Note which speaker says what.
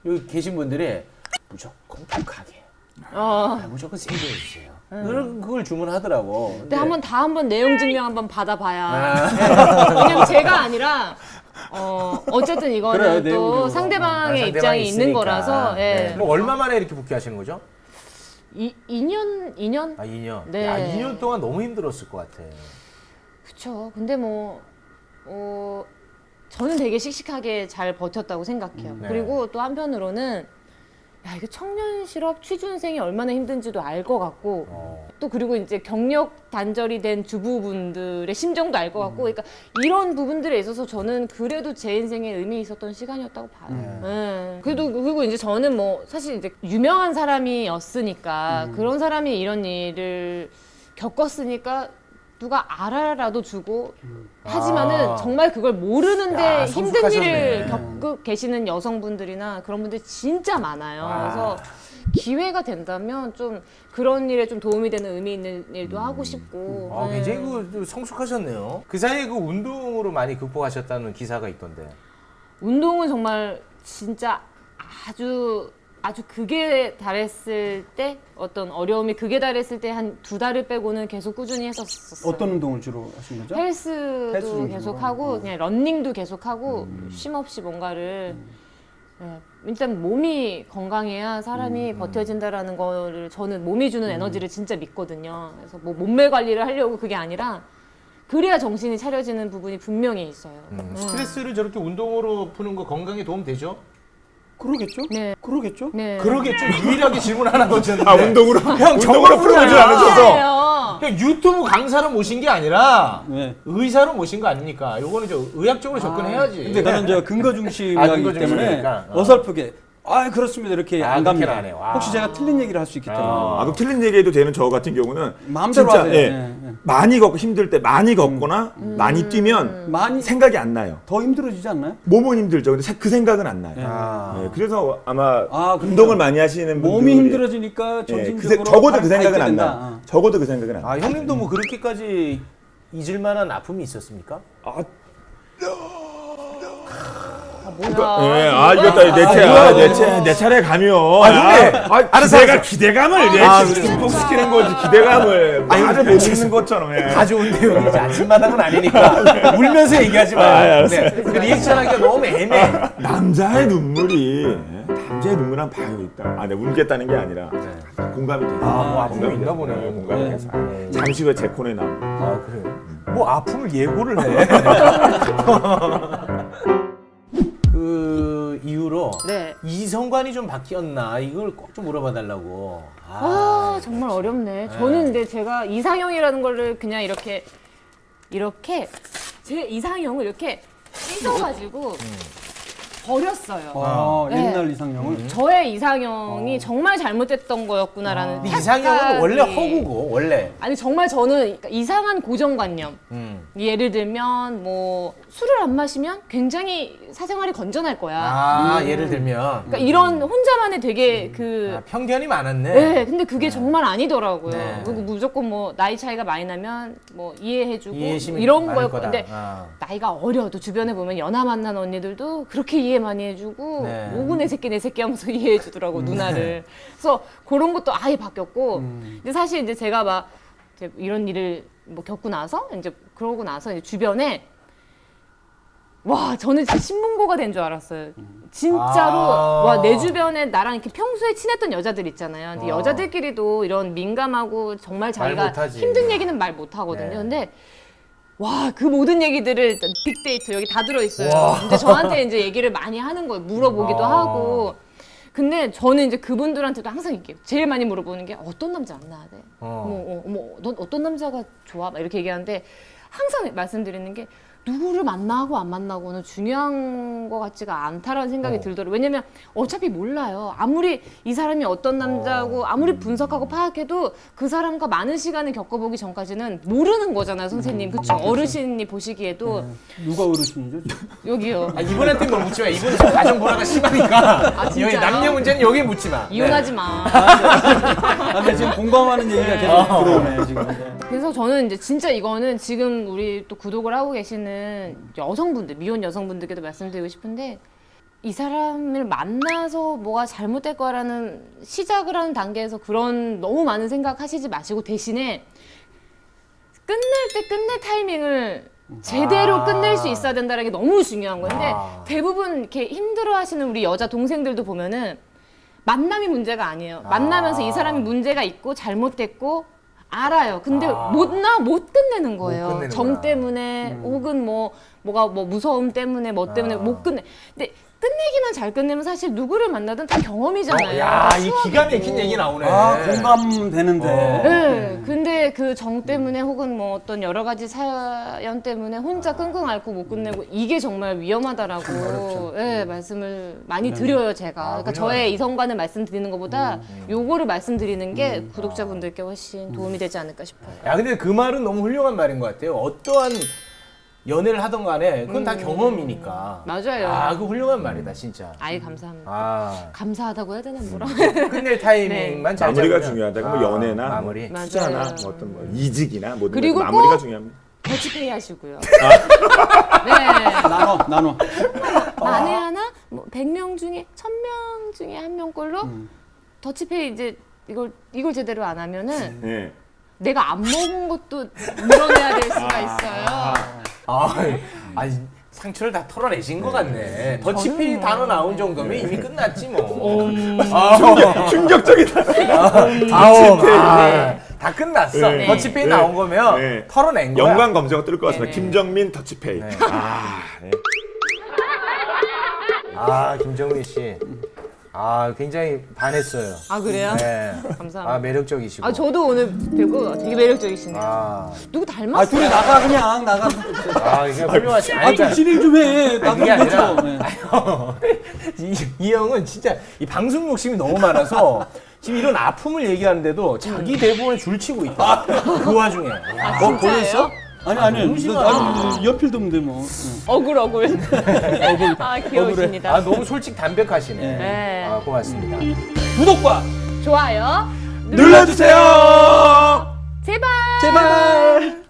Speaker 1: 여기 계신 분들이 무조건 독하게, 무조건 세게 해주세요. 그걸 주문하더라고.
Speaker 2: 근데 한번 내용 증명 한번 받아봐야. 네. 왜냐면 제가 아니라 어쨌든 이거는
Speaker 1: 그래,
Speaker 2: 또 상대방의 입장이 있는
Speaker 1: 있으니까.
Speaker 2: 거라서. 예.
Speaker 1: 네.
Speaker 3: 그럼 얼마 만에 이렇게 복귀하시는 거죠?
Speaker 2: 2년?
Speaker 3: 아 2년.
Speaker 2: 네.
Speaker 3: 야 2년 동안 너무 힘들었을 것 같아.
Speaker 2: 그쵸. 근데 저는 되게 씩씩하게 잘 버텼다고 생각해요.
Speaker 3: 네.
Speaker 2: 그리고 또 한편으로는 야, 이거 청년 실업 취준생이 얼마나 힘든지도 알 것 같고 또 그리고 이제 경력 단절이 된 주부분들의 심정도 알 것 같고 그러니까 이런 부분들에 있어서 저는 그래도 제 인생에 의미 있었던 시간이었다고 봐요. 예. 그리고 이제 저는 뭐 사실 이제 유명한 사람이었으니까 그런 사람이 이런 일을 겪었으니까 누가 알아라도 주고 하지만은 정말 그걸 모르는데
Speaker 3: 야,
Speaker 2: 힘든
Speaker 3: 성숙하셨네.
Speaker 2: 일을 겪고 계시는 여성분들이나 그런 분들 진짜 많아요. 그래서 기회가 된다면 좀 그런 일에 좀 도움이 되는 의미 있는 일도 하고 싶고.
Speaker 3: 아,
Speaker 2: 네.
Speaker 3: 굉장히 좀 성숙하셨네요. 그 사이에 그 운동으로 많이 극복하셨다는 기사가 있던데.
Speaker 2: 운동은 정말 진짜 아주 극에 달했을 때 어떤 어려움이 극에 달했을 때 한 2달을 빼고는 계속 꾸준히 했었어요.
Speaker 4: 어떤 운동을 주로 하신 거죠?
Speaker 2: 헬스도
Speaker 4: 헬스
Speaker 2: 계속
Speaker 4: 위주로?
Speaker 2: 하고 그냥 러닝도 계속 하고 쉼 없이 뭔가를 네, 일단 몸이 건강해야 사람이 버텨진다라는 거를 저는 몸이 주는 에너지를 진짜 믿거든요. 그래서 뭐 몸매 관리를 하려고 그게 아니라 그래야 정신이 차려지는 부분이 분명히 있어요.
Speaker 3: 스트레스를 저렇게 운동으로 푸는 거 건강에 도움 되죠?
Speaker 4: 그러겠죠?
Speaker 2: 네.
Speaker 4: 그러겠죠?
Speaker 2: 네.
Speaker 3: 그러겠죠. 유일하게 질문 하나 던졌는데.
Speaker 5: 아 운동으로
Speaker 3: 형 정으로 풀어보지
Speaker 2: 아,
Speaker 3: 않으셔서.
Speaker 2: 아니에요.
Speaker 3: 형 유튜브 강사로 모신 게 아니라
Speaker 4: 네.
Speaker 3: 의사로 모신 거 아닙니까? 요거는 저 의학적으로 접근해야지.
Speaker 4: 근데 저는 저 근거 중심이기
Speaker 3: 아, 근거
Speaker 4: 때문에
Speaker 3: 중심이니까.
Speaker 4: 어설프게 그렇습니다 이렇게
Speaker 3: 아,
Speaker 4: 안 갑니다.
Speaker 3: 그렇게는 안 해요. 아.
Speaker 4: 혹시 제가 틀린 얘기를 할 수 있기 때문에
Speaker 5: 아, 그럼 틀린 얘기해도 되는 저 같은 경우는
Speaker 4: 마음대로
Speaker 5: 진짜,
Speaker 4: 하세요.
Speaker 5: 예,
Speaker 4: 예, 예.
Speaker 5: 많이 걷고 힘들 때 많이 걷거나 많이 뛰면
Speaker 4: 많이
Speaker 5: 생각이 안 나요.
Speaker 4: 더 힘들어지지 않나요?
Speaker 5: 몸은 힘들죠. 근데 그 생각은 안 나요.
Speaker 3: 아.
Speaker 5: 예, 그래서 아마
Speaker 4: 그렇죠.
Speaker 5: 운동을 많이 하시는 분들이
Speaker 4: 몸이 힘들어지니까
Speaker 5: 예,
Speaker 4: 정신적으로
Speaker 5: 적어도 그 생각은
Speaker 4: 밝게
Speaker 5: 안
Speaker 4: 된다.
Speaker 5: 나요. 적어도 그 생각은 안 나요.
Speaker 3: 아 형님도 뭐 그렇게까지 잊을 만한 아픔이 있었습니까?
Speaker 5: 아,
Speaker 2: 뭐야?
Speaker 5: 예, 이겼다. 내 차례 가면.
Speaker 3: 알았어.
Speaker 5: 기대감을 극복시키는 거지, 기대감을. 말을 못 읽는 것처럼. 예.
Speaker 3: 다 좋은데요. 이제 아침마당은 아니니까 울면서 얘기하지 마요. 네. 그 리액션 하기가 너무 애매해.
Speaker 5: 남자의 눈물이 남자의 눈물한 바위가 있다. 내가 울겠다는 게 아니라 공감이 돼서.
Speaker 3: 뭐 아픔이
Speaker 5: 공감이
Speaker 3: 있나
Speaker 5: 돼서.
Speaker 3: 보네.
Speaker 5: 공감이 돼서. 잠시 후에 제 코너에 나옵니다.
Speaker 3: 아 그래요? 뭐 아픔을 예고를 해. 그 이후로
Speaker 2: 네.
Speaker 3: 이성관이 좀 바뀌었나 이걸 꼭 좀 물어봐 달라고.
Speaker 2: 정말 어렵네. 저는 근데 제가 이상형이라는 거를 그냥 이렇게 제 이상형을 이렇게 찢어가지고 버렸어요. 네.
Speaker 4: 옛날 이상형을
Speaker 2: 저의 이상형이 정말 잘못됐던 거였구나라는
Speaker 3: 근데 이상형은
Speaker 2: 착각이-
Speaker 3: 원래 허구고 원래.
Speaker 2: 아니 정말 저는 그러니까 이상한 고정관념 예를 들면 뭐 술을 안 마시면 굉장히 사생활이 건전할 거야.
Speaker 3: 예를 들면
Speaker 2: 그러니까 이런 혼자만의 되게
Speaker 3: 편견이 많았네.
Speaker 2: 네, 근데 그게 정말 아니더라고요.
Speaker 3: 네.
Speaker 2: 그리고 무조건 뭐 나이 차이가 많이 나면 뭐 이해해주고
Speaker 3: 이해심이
Speaker 2: 이런
Speaker 3: 많을
Speaker 2: 거였고,
Speaker 3: 거다.
Speaker 2: 근데 나이가 어려도 주변에 보면 연하 만난 언니들도 그렇게 이해 많이 해주고
Speaker 3: 네.
Speaker 2: 오구 내 새끼 하면서 이해해주더라고 누나를. 그래서 그런 것도 아예 바뀌었고, 근데 사실 이제 제가 막 이제 이런 일을 뭐 겪고 나서 이제 그러고 나서 이제 주변에 와, 저는 진짜 신문고가 된 줄 알았어요. 진짜로 와, 내 주변에 나랑 이렇게 평소에 친했던 여자들 있잖아요. 근데 여자들끼리도 이런 민감하고 정말 자기가
Speaker 3: 못하지.
Speaker 2: 힘든 얘기는 말 못하거든요.
Speaker 3: 네.
Speaker 2: 근데 와, 그 모든 얘기들을 빅데이터 여기 다 들어있어요. 근데 저한테 이제 얘기를 많이 하는 거예요. 물어보기도 하고. 근데 저는 이제 그분들한테도 항상 얘기해요. 제일 많이 물어보는 게 어떤 남자 안 나야 돼? 넌 어떤 남자가 좋아? 막 이렇게 얘기하는데 항상 말씀드리는 게 누구를 만나고 안 만나고는 중요한 것 같지가 않다라는 생각이 들더라고요. 왜냐면 어차피 몰라요. 아무리 이 사람이 어떤 남자고 아무리 분석하고 파악해도 그 사람과 많은 시간을 겪어보기 전까지는 모르는 거잖아요, 선생님. 그쵸? 어르신이 보시기에도
Speaker 4: 누가 어르신이죠?
Speaker 2: 여기요.
Speaker 3: 이분한테 뭐 묻지 마. 이분은 지금 가정 불화가 심하니까. 여기
Speaker 2: 진짜요?
Speaker 3: 남녀 문제는 여기 묻지 마.
Speaker 2: 이혼하지 마.
Speaker 4: 근데 지금 공감하는 얘기가 계속 들어오네 지금.
Speaker 2: 그래서 저는 이제 진짜 이거는 지금 우리 또 구독을 하고 계시는 여성분들, 미혼 여성분들께도 말씀드리고 싶은데 이 사람을 만나서 뭐가 잘못될 거라는 시작을 하는 단계에서 그런 너무 많은 생각하시지 마시고 대신에 끝낼 때 끝낼 타이밍을 제대로 끝낼 수 있어야 된다는 게 너무 중요한 건데 대부분 이렇게 힘들어하시는 우리 여자 동생들도 보면은 만남이 문제가 아니에요. 만나면서 이 사람이 문제가 있고 잘못됐고 알아요. 근데 못 끝내는 거예요.
Speaker 3: 끝내는구나.
Speaker 2: 정 때문에 혹은 뭐가 무서움 때문에 뭐 때문에 못 끝내. 근데 끝내기만 잘 끝내면 사실 누구를 만나든 다 경험이잖아요.
Speaker 3: 야,
Speaker 2: 다
Speaker 3: 이
Speaker 2: 추억이고.
Speaker 3: 기가 막힌 얘기 나오네.
Speaker 4: 아, 공감되는데.
Speaker 2: 네, 근데 그 정 때문에 혹은 뭐 어떤 여러 가지 사연 때문에 혼자 끙끙 앓고 못 끝내고 이게 정말 위험하다라고 네, 말씀을 많이 드려요 제가. 그러니까 저의 이성관을 말씀드리는 것보다 요거를 말씀드리는 게 구독자분들께 훨씬 도움이 되지 않을까 싶어요.
Speaker 3: 야, 근데 그 말은 너무 훌륭한 말인 것 같아요. 어떠한 연애를 하던 간에 그건 다 경험이니까.
Speaker 2: 맞아요.
Speaker 3: 아, 그 훌륭한 말이다, 진짜.
Speaker 2: 아이 감사합니다.
Speaker 3: 아,
Speaker 2: 감사하다고 해야 되나 뭐라.
Speaker 3: 끝낼 타이밍만 잘
Speaker 5: 마무리가
Speaker 3: 잡으면.
Speaker 5: 중요하다. 뭐 연애나
Speaker 3: 마무리.
Speaker 5: 뭐 투자나
Speaker 2: 맞아요.
Speaker 5: 뭐 어떤 뭐 이직이나 모든
Speaker 2: 그리고
Speaker 5: 것 마무리가
Speaker 2: 꼭
Speaker 5: 중요합니다.
Speaker 2: 더치페이 하시고요.
Speaker 5: 아.
Speaker 2: 네.
Speaker 4: 나눠.
Speaker 2: 만에 하나 뭐 100명 중에 1000명 중에 한 명꼴로 더치페이 이제 이걸 제대로 안 하면은
Speaker 5: 네.
Speaker 2: 내가 안 먹은 것도 물어내야 될 수가 있어요.
Speaker 3: 아니, 상처를 다 털어내신 것 같네. 더치페이 단어 나온 정도면 이미 끝났지 뭐.
Speaker 5: 충격적이다.
Speaker 3: 다 끝났어.
Speaker 5: 네.
Speaker 3: 더치페이
Speaker 5: 네.
Speaker 3: 나온 거면
Speaker 5: 네.
Speaker 3: 털어낸 거야.
Speaker 5: 연관 검색어 뜰 것 같습니다.
Speaker 2: 네.
Speaker 5: 김정민 터치페이. 아, 네.
Speaker 3: 아, 김정민 씨. 아, 굉장히 반했어요.
Speaker 2: 아 그래요?
Speaker 3: 네.
Speaker 2: 감사합니다.
Speaker 3: 아, 매력적이시고.
Speaker 2: 아 저도 오늘 뵈고 되게 매력적이시네요.
Speaker 3: 아,
Speaker 2: 누구 닮았어요?
Speaker 4: 아, 둘이 나가 그냥 나가.
Speaker 3: 이게 훌륭하시.
Speaker 4: 아, 좀 진행 좀 해. 나도
Speaker 3: 그게 아니라
Speaker 4: 그렇죠. 네.
Speaker 3: 이 형은 진짜 이 방송 욕심이 너무 많아서 지금 이런 아픔을 얘기하는데도 자기 대본에 줄치고 있다. 그 와중에. 뭐 보냈어?
Speaker 4: 아니,
Speaker 3: 너무 심하다.
Speaker 4: 아니, 연필 도면 돼 뭐.
Speaker 2: 억울. 아 귀여우십니다.
Speaker 3: 아, 너무 솔직 담백하시네.
Speaker 2: 네.
Speaker 3: 아, 고맙습니다.
Speaker 4: 구독과
Speaker 2: 좋아요.
Speaker 5: 눌러주세요.
Speaker 2: 제발.
Speaker 4: 제발.